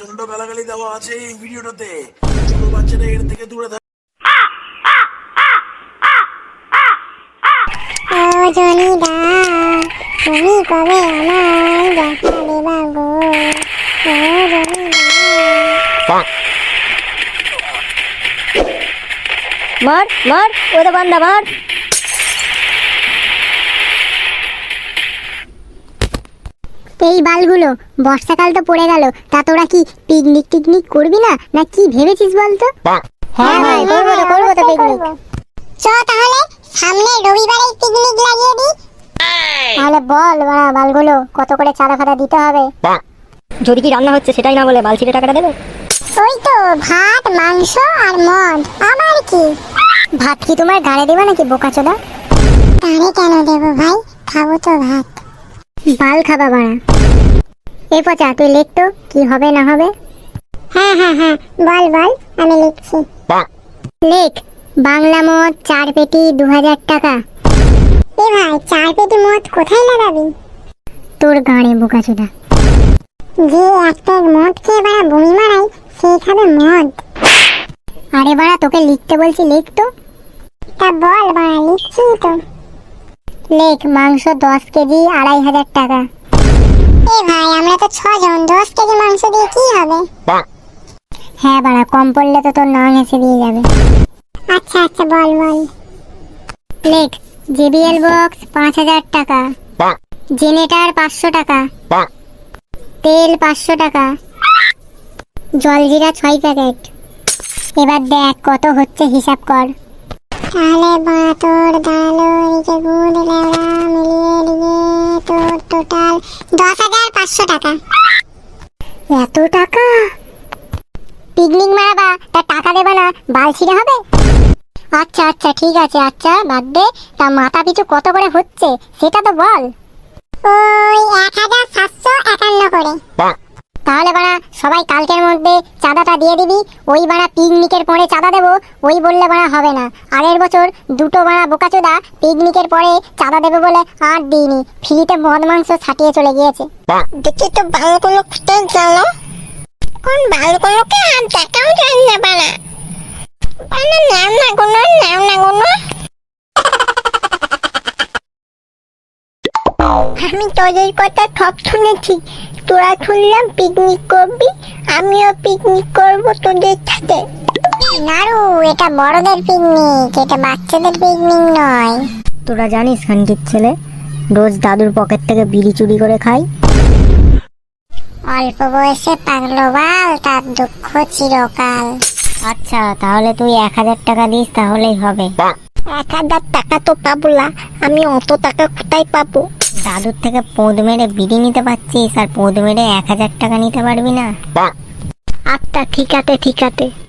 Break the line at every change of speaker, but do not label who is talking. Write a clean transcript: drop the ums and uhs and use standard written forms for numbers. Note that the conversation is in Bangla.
প্রচন্ড গালাগালি দেওয়া আছে এই ভিডিওটাতে। ছোট বাচ্চারা এর থেকে দূরে থাকে।
ও জনিদা তুমি কবে আমায় দেখা দেবা গো, ও জনিদা।
মার মার ওরে বান্দা মার।
এই বালগুলো বর্ষাকাল তো পড়ে গেল, তা তোরা কি পিকনিক টিকনিক করবি না কি ভেবেছিস বলতো?
হ্যাঁ ভাই করবো তো পিকনিক।
চ তাহলে সামনে রবিবারে পিকনিক লাগিয়ে দি। তাহলে বল বালগুলো কত করে চাঁদা ফাদা দিতে হবে?
যদি কি রান্না হচ্ছে সেটাই না বলে বালছিটে টাকাটা দেবে।
ওই তো ভাত মাংস আর মদ, আবার কি? ভাত কি তোমার গাড়ে দেবে নাকি বোকাচোদা? গাড়ে কেন দেবো ভাই, খাবো তো ভাত। বাল খাবা বাড়া। এ পচা তুই লেখ তো কি হবে না হবে। হ্যাঁ বল আমি লিখছি। লেখ বাংলা মদ 4 পেটি 2000 টাকা। এ ভাই 4 পেটি মদ কোথায় লাগাবি? তোর গাড়ে বোকাচোদা। যে একটা মদ খেয়ে বাড়া বমি মারাই সেই খাবে মদ। আরে বাড়া তোকে লিখতে বলছি লেখ তো। তা বল বাড়া লিখছি তো। লেখ মাংস 10 কেজি 2500 টাকা। এ ভাই আমরা তো 6 জন, 10 কেজি মাংস দিয়ে কি হবে? হ্যাঁ বাড়া কম পড়লে তো তোর নাম এসে দিয়ে যাবে। আচ্ছা বল। লেখ JBL বক্স 5000 টাকা, জেনারেটর 500 টাকা, তেল 500 টাকা, জলজিরা 6 প্যাকেট। এবার দেখ কত হচ্ছে হিসাব কর। তাহলে তোর দাঁড়ালো এদিকে গুড় লেওড়া মিলিয়ে দিয়ে তোর টোটাল 10,500 টাকা। এত টাকা? পিকনিক মারাবা তা টাকা দেবে না বাল ছিঁড়ে হবে? আচ্ছা ঠিক আছে, আচ্ছা বাদ দে। তা মাথা পিছু কত করে হচ্ছে সেটা তো বল। ওই 1751 করে। তাহলে বাড়া সবাই কালকের মধ্যে চাঁদাটা দিয়ে দিবি। ওই বাড়া পিকনিকের পরে চাঁদা দেবো ওই বললে বাড়া হবে না। আগের বছর দুটো বাড়া বোকাচোদা পিকনিকের পরে চাঁদা দেবে বলে আর দিইনি, ফ্রিতে মদ মাংস ছাটিয়ে চলে গিয়েছে।
দেখি তো বালগুলো কোথায় গেল? কোন বালগুলোকে আর দেখাও যায় না বানা নাম না কোনো আমি তোদের কথা সব শুনেছি। তোরা শুনলাম পিকনিক করবি, আমিও পিকনিক করব তোদের সাথে।
নারু এটা বড়দের পিকনিক, এটা বাচ্চাদের পিকনিক নয়।
তোরা জানিস খানকির ছেলে রোজ দাদুর পকেট থেকে বিড়ি চুরি করে খাই।
অল্প বয়সে পাগলো বাল, তার দুঃখ চিরকাল।
আচ্ছা তাহলে তুই 1000 টাকা দিস তাহলেই হবে।
1000 টাকা তো পাবো না, আমি অত টাকা কোথায় পাবো?
দাদুর থেকে পোঁদ মেরে বিড়ি নিতে পারছিস আর পোঁদ মেরে 1000 টাকা নিতে পারবি না?
আচ্ছা ঠিক আছে